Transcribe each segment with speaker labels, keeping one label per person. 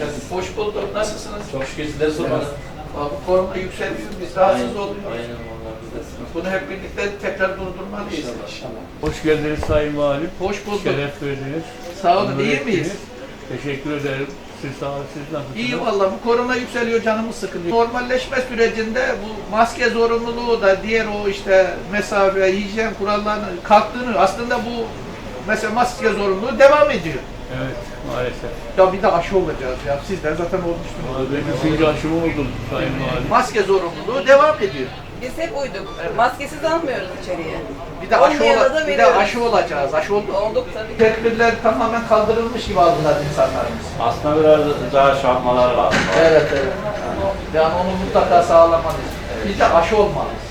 Speaker 1: geldiniz.
Speaker 2: Hoş bulduk. Nasılsınız?
Speaker 1: Çok şükür sizleri sormalı.
Speaker 2: Bu korona yükseliyor. Biz rahatsız oluyoruz.
Speaker 1: Aynen vallahi biz de sıkıntı.
Speaker 2: Bunu hep birlikte tekrar durdurmalıyız.
Speaker 1: İnşallah.
Speaker 3: Hoş geldiniz Sayın Valim.
Speaker 2: Hoş bulduk.
Speaker 3: Şeref verdiniz.
Speaker 2: Sağ olun.
Speaker 3: Onur
Speaker 2: İyi
Speaker 3: ettiniz.
Speaker 2: miyiz?
Speaker 3: Teşekkür ederim. Siz sağ olun. Siz nasılsınız?
Speaker 2: İyi valla. Bu korona yükseliyor. Canımız sıkılıyor. Normalleşme sürecinde bu maske zorunluluğu da diğer o işte mesafe, hijyen kurallarının kalktığını aslında bu mesela maske zorunluluğu devam ediyor.
Speaker 3: Evet, maalesef.
Speaker 2: Ya bir de aşı olacağız ya. Siz de zaten olmuştunuz.
Speaker 3: Ben 3. aşımı oldum Sayın Valim.
Speaker 2: Maske zorunluluğu devam ediyor.
Speaker 4: Biz hep uyduk. Maskesiz almıyoruz içeriye.
Speaker 2: Bir de aşı,
Speaker 4: Olmayana da
Speaker 2: bir de
Speaker 4: veriyoruz.
Speaker 2: aşı olacağız. Aşı olduk.
Speaker 4: Olduk tabii.
Speaker 2: Tedbirler tamamen kaldırılmış gibi aldılar insanlarımız.
Speaker 1: Aslında biraz daha şey yapmaları lazım.
Speaker 2: Evet, evet. Yani onu mutlaka sağlamalıyız. Bir de aşı olmalıyız.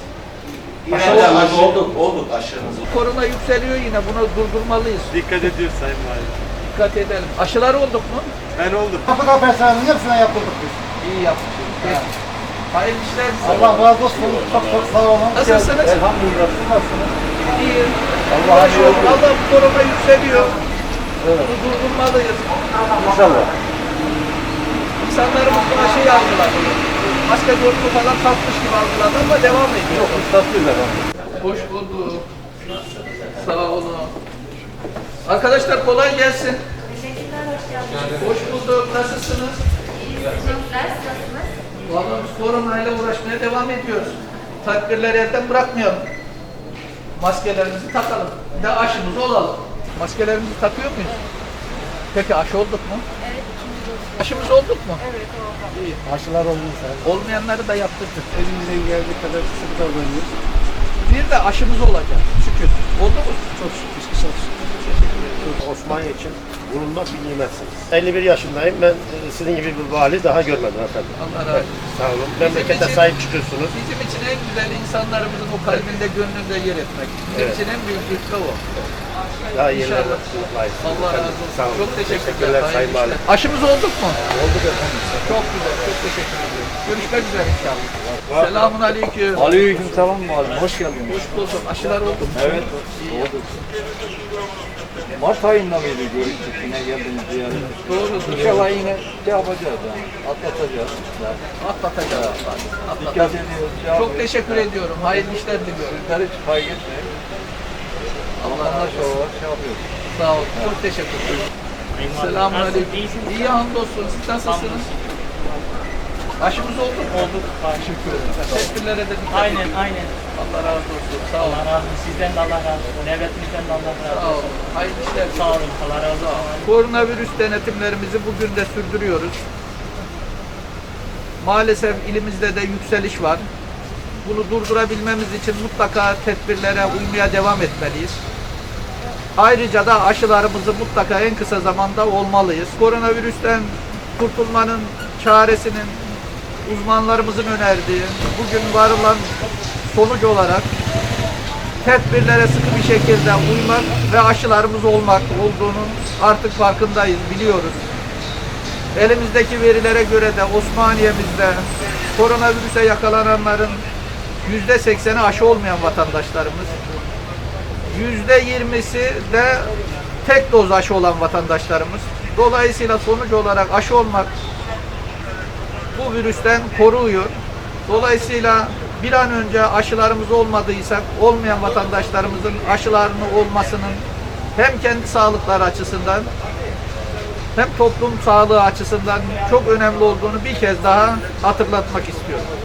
Speaker 1: Aşı olduk aşımızı.
Speaker 2: Korona yükseliyor yine. Bunu durdurmalıyız.
Speaker 5: Dikkat ediyoruz Sayın Valim.
Speaker 2: Dikkat edelim. Aşılar olduk mu?
Speaker 5: Ben oldum.
Speaker 6: Kapıda personelinin hepsine yaptırdık biz.
Speaker 2: İyi yapmışız. Peki. Hayırlı işler.
Speaker 6: Allah razı olsun. Çok çok sağ olun.
Speaker 2: Nasılsınız?
Speaker 6: Elhamdülillah. Siz nasılsınız?
Speaker 2: İyi.
Speaker 6: Allah'a şükür.
Speaker 2: Allah bu korona yükseliyor. Bunu durdurmalıyız.
Speaker 6: İnşallah.
Speaker 2: İnsanlarımız buna şey algıladı. Maske zorunlu falan kalkmış gibi algıladı ama devam ediyor.
Speaker 6: Çok ustaslıyız efendim.
Speaker 2: Hoş bulduk. Sağ olun. Arkadaşlar kolay gelsin.
Speaker 7: Teşekkürler, hoş geldiniz.
Speaker 2: Hoş bulduk. Nasılsınız?
Speaker 7: Teşekkürler, nasılsınız?
Speaker 2: Vallahi biz koronayla uğraşmaya devam ediyoruz. Tedbirleri elden bırakmayalım. Maskelerimizi takalım. Bir de aşımız olalım. Maskelerimizi takıyor muyuz? Peki aşı olduk mu?
Speaker 7: Evet, ikinci doz.
Speaker 2: Aşımız olduk mu?
Speaker 7: Evet, oldu.
Speaker 2: İyi.
Speaker 6: Aşılar olmuş.
Speaker 2: Olmayanları da yaptırdık.
Speaker 6: Elimizden geldiği kadar sıkı davranıyoruz.
Speaker 2: Bir de aşımız olacak. Şükür. Oldu mu?
Speaker 6: Çok şükür. Çok şükür. Osmaniye için bulunmak bir nimetsiniz. 51 yaşındayım. Ben sizin gibi bir vali daha görmedim efendim.
Speaker 2: Allah razı olsun.
Speaker 6: Sağ olun. Memlekete
Speaker 2: için-
Speaker 6: sahip çıkıyorsunuz.
Speaker 2: Bizim için en güzel insanlarımızın o kalbinde, gönlünde yer etmek. Bizim için en büyük lütfu o.
Speaker 6: Daha yeni
Speaker 2: İnşallah.
Speaker 6: layıksınız.
Speaker 2: Allah razı olsun.
Speaker 6: Sağ olun.
Speaker 2: Çok teşekkürler.
Speaker 6: Teşekkürler Sayın
Speaker 2: Hayırlı
Speaker 6: Valim.
Speaker 2: işler. Aşımız olduk mu?
Speaker 6: Olduk efendim.
Speaker 2: Çok güzel. Çok teşekkür ediyorum. Görüşmek üzere inşallah. Selamun aleyküm.
Speaker 5: Aleyküm selam Valim. Hoş geldiniz.
Speaker 2: Hoş bulduk. Aşılar oldu mu?
Speaker 5: Evet.
Speaker 2: İyi.
Speaker 5: Mart ayında mıydı görüştük yine geldiniz ziyaret.
Speaker 2: Doğrudur.
Speaker 5: İnşallah yine şey yapacağız yani. Atlatacağız.
Speaker 2: Atlatacağız.
Speaker 5: Dikkat ediyoruz. Şey
Speaker 2: Çok
Speaker 5: yapıyoruz.
Speaker 2: teşekkür ediyorum. Hayırlı işler diliyorum.
Speaker 5: Sizleri hiç kaybetmeyin. Allah'ına şey yapıyoruz.
Speaker 2: Sağ olun. Çok teşekkür ederim. Selamun aleyküm. İyi hamdolsun. Siz nasılsınız? Aşımız oldu mu?
Speaker 8: Olduk.
Speaker 2: Teşekkür ederim. Tedbirlere de dikkat
Speaker 8: Aynen,
Speaker 2: edin.
Speaker 8: aynen.
Speaker 2: Allah razı olsun. Sağ olun.
Speaker 8: Allah razı olsun. Sizden de Allah razı olsun. Devletimizden de Allah razı
Speaker 2: Sağ
Speaker 8: olsun.
Speaker 2: olun. Hayırlı işler
Speaker 8: Sağ
Speaker 2: diliyorum.
Speaker 8: olun. Allah razı olsun.
Speaker 2: Koronavirüs denetimlerimizi bugün de sürdürüyoruz. Maalesef ilimizde de yükseliş var. Bunu durdurabilmemiz için mutlaka tedbirlere uymaya devam etmeliyiz. Ayrıca da aşılarımızı mutlaka en kısa zamanda olmalıyız. Koronavirüsten kurtulmanın çaresinin uzmanlarımızın önerdiği, bugün varılan sonuç olarak tedbirlere sıkı bir şekilde uymak ve aşılarımız olmak olduğunun artık farkındayız, biliyoruz. Elimizdeki verilere göre de Osmaniye'mizde koronavirüse yakalananların %80'i aşı olmayan vatandaşlarımız, %20'si de tek doz aşı olan vatandaşlarımız. Dolayısıyla sonuç olarak aşı olmak bu virüsten koruyor. Dolayısıyla bir an önce aşılarımız olmadıysa olmayan vatandaşlarımızın aşılarını olmasının hem kendi sağlıkları açısından hem toplum sağlığı açısından çok önemli olduğunu bir kez daha hatırlatmak istiyorum.